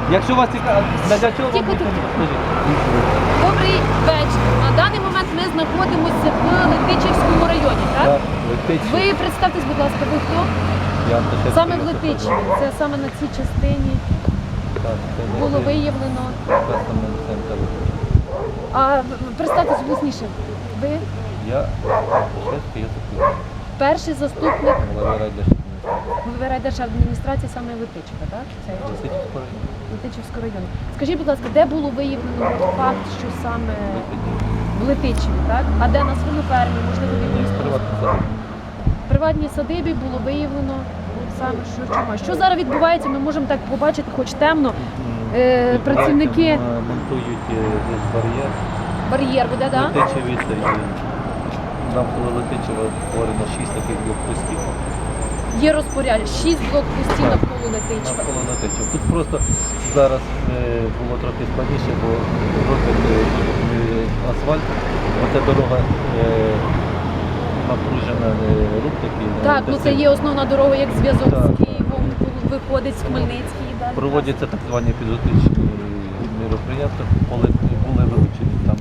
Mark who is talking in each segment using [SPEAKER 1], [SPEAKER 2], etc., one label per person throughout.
[SPEAKER 1] Якщо вас цікаво, для чого вам
[SPEAKER 2] Тихо, тихо.
[SPEAKER 1] скажіть?
[SPEAKER 2] Добрий вечір. На даний момент ми знаходимося в Летичівському районі, так?
[SPEAKER 1] Так, Летичів.
[SPEAKER 2] Ви представтесь, будь ласка, ви хто?
[SPEAKER 1] Я Антошевський
[SPEAKER 2] Саме в
[SPEAKER 1] Йосип
[SPEAKER 2] Летичеві.
[SPEAKER 1] Петрович.
[SPEAKER 2] Це саме на цій частині
[SPEAKER 1] Так, це
[SPEAKER 2] було
[SPEAKER 1] Летичів.
[SPEAKER 2] виявлено.
[SPEAKER 1] Кастомний центр.
[SPEAKER 2] А представтесь голосніше. Ви
[SPEAKER 1] Я Антошевський Йосип Петрович.
[SPEAKER 2] перший заступник
[SPEAKER 1] Голови райдержадміністрації.
[SPEAKER 2] голови райдержадміністрації саме Летичева, так? Це
[SPEAKER 1] Летичівського району.
[SPEAKER 2] Летичівського району. Скажіть, будь ласка, де було виявлено факт, що саме
[SPEAKER 1] Летичів.
[SPEAKER 2] в Летичеві, так? А де на свинофермі, можливо, в
[SPEAKER 1] Ні,
[SPEAKER 2] якомусь
[SPEAKER 1] приватний садок.
[SPEAKER 2] в приватній садибі було виявлено саме, що чума. Що зараз відбувається, ми можемо так побачити, хоч темно. Працівники
[SPEAKER 1] монтують десь бар'єр.
[SPEAKER 2] бар'єр буде, так?
[SPEAKER 1] Летичеві це нам коло Летичева створено 6 таких блокпостів.
[SPEAKER 2] Є розпорядження, 6 блокпостів навколо Летичева.
[SPEAKER 1] Навколо Летичева. Тут просто зараз було трохи складніше, бо роблять асфальт. Оця дорога напружена, рух такий.
[SPEAKER 2] Так, ну це є основна дорога, як зв'язок
[SPEAKER 1] Так.
[SPEAKER 2] з Києвом, виходить з Хмельницький і далі.
[SPEAKER 1] Проводяться так звані епізодичні мероприятия, коли були вилучені там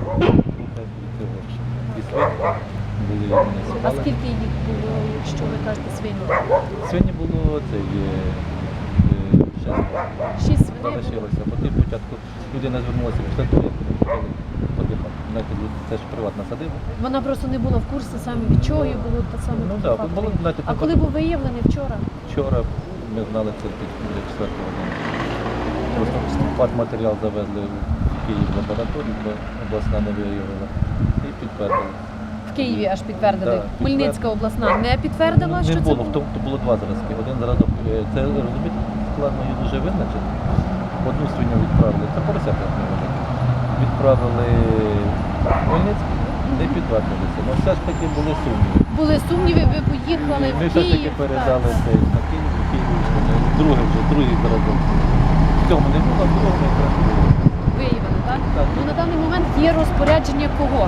[SPEAKER 1] і свині, були
[SPEAKER 2] А
[SPEAKER 1] муніципали.
[SPEAKER 2] скільки їх було, якщо ви кажете, свині?
[SPEAKER 1] Сьогодні було це шестеро.
[SPEAKER 2] 6 свиней було.
[SPEAKER 1] Залишилося. Потім спочатку людина звернулася після того, як ми хотіли подихати. Знаєте, це ж приватна садиба.
[SPEAKER 2] Вона просто не була в курсі саме від чого їй було та саме
[SPEAKER 1] Ну
[SPEAKER 2] такий
[SPEAKER 1] так,
[SPEAKER 2] факт.
[SPEAKER 1] було, знаєте,
[SPEAKER 2] А коли був виявлений вчора?
[SPEAKER 1] вчора ми знали це біля 4 години. Просто факт-матеріал завезли в Київ в лабораторію, бо обласна не виявила. І підтвердили.
[SPEAKER 2] В Києві аж підтвердили.
[SPEAKER 1] Так,
[SPEAKER 2] Хмельницька обласна не підтвердила,
[SPEAKER 1] Не
[SPEAKER 2] що це
[SPEAKER 1] було,
[SPEAKER 2] було?
[SPEAKER 1] тобто було два зразки. Один зразок, це розумієте, складно її дуже визначити. Одну свиню відправили, це поросята невелике. Відправили в Хмельницький, не підтвердилися. Ну все ж таки були сумніви.
[SPEAKER 2] Були сумніви, ви поїхали
[SPEAKER 1] Ми
[SPEAKER 2] в
[SPEAKER 1] все ж таки
[SPEAKER 2] Київ.
[SPEAKER 1] передали
[SPEAKER 2] Так.
[SPEAKER 1] цей на Київ, другий зразок. В цьому не було, в другому якраз було.
[SPEAKER 2] Виявили, так?
[SPEAKER 1] Так.
[SPEAKER 2] Ну на даний момент є розпорядження кого?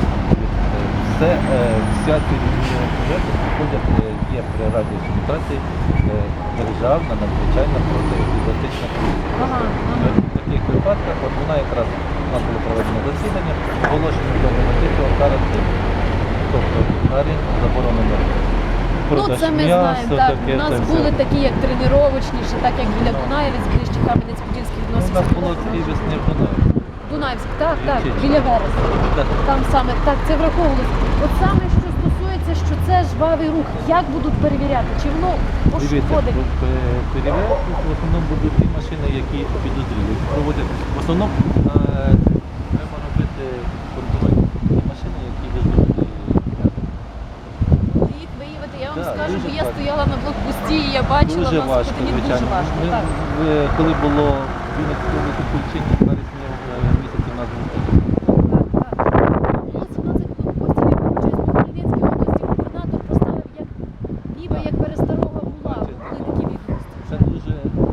[SPEAKER 1] Вся ці проєкти проходять, є при радіофільтрації державна надзвичайна протиепізотична комісія.
[SPEAKER 2] Ага,
[SPEAKER 1] В таких випадках от вона якраз у нас було проведено засідання, оголошено до негативного карантину. Тобто арі заборонено.
[SPEAKER 2] Ну це ми знаємо, так. У нас були такі, як тренувачніші, так як біля Дунаєвець, ближче Кам'янець-Подільський
[SPEAKER 1] У
[SPEAKER 2] відносився.
[SPEAKER 1] нас було такий весні в Дунаї.
[SPEAKER 2] Дунаївськ, так, так,
[SPEAKER 1] Чи-
[SPEAKER 2] біля Вереса.
[SPEAKER 1] Так.
[SPEAKER 2] Там саме, так, це враховувалось. От саме, що стосується, що це жвавий рух, як будуть перевіряти? Чи воно
[SPEAKER 1] Дивіться,
[SPEAKER 2] пошкодить?
[SPEAKER 1] перевіряти в основному будуть ті машини, які підозрілі. Проводять в основному треба робити контроль. Ті машини, які везуть.
[SPEAKER 2] Їх виявити, я вам
[SPEAKER 1] Так,
[SPEAKER 2] скажу, бо
[SPEAKER 1] дуже
[SPEAKER 2] я
[SPEAKER 1] важко.
[SPEAKER 2] стояла на блокпості і я бачила,
[SPEAKER 1] Дуже
[SPEAKER 2] нас
[SPEAKER 1] важко,
[SPEAKER 2] дуже
[SPEAKER 1] звичайно.
[SPEAKER 2] важко.
[SPEAKER 1] Ми,
[SPEAKER 2] Так.
[SPEAKER 1] коли було в Вінницькому Миколаївщині, в вересні місяці у нас був такий.
[SPEAKER 2] Було 17 блокпостів, я вибачаюсь, по Хмельницькій області губернатор поставив як ніби як пересторога була. Були такі відомості.
[SPEAKER 1] Це дуже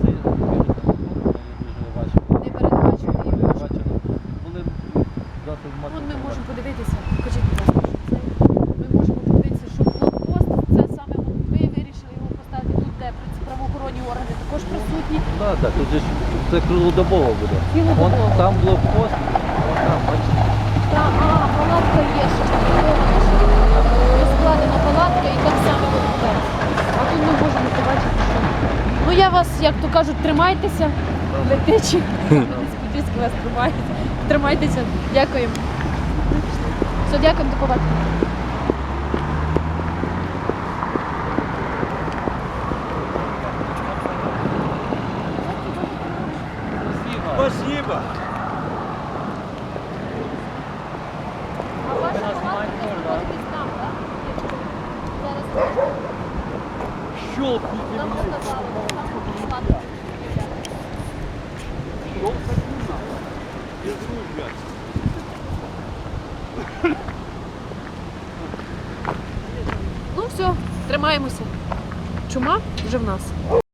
[SPEAKER 1] важко.
[SPEAKER 2] Не передбачували.
[SPEAKER 1] Передбачено. Були дати в
[SPEAKER 2] Вон ми можемо подивитися. Покажіть, будь ласка, що це. Ми можемо подивитися, що блокпост, це саме ви вирішили його поставити тут, де правоохоронні органи також присутні.
[SPEAKER 1] Так, так, тут же ж це круглодобово буде.
[SPEAKER 2] Цілодобово.
[SPEAKER 1] Вон там блокпост, вон там, бачите.
[SPEAKER 2] Та, палатка є, що складена палатка і так само воно буде. А тут ми можемо побачити, що. Ну я вас, як то кажуть, тримайтеся, летичі. Сподіваюся, вас тримають. Тримайтеся. Дякуємо. Все, дякуємо, до побачення.
[SPEAKER 3] Спасибо.
[SPEAKER 2] А ваша палатка знаходитесь там, так? Зараз
[SPEAKER 3] Щелкните
[SPEAKER 2] нам
[SPEAKER 3] меня.
[SPEAKER 2] сказали, там палатка.
[SPEAKER 3] Без ружья.
[SPEAKER 2] Ну все, тримаємося. Чума вже в нас.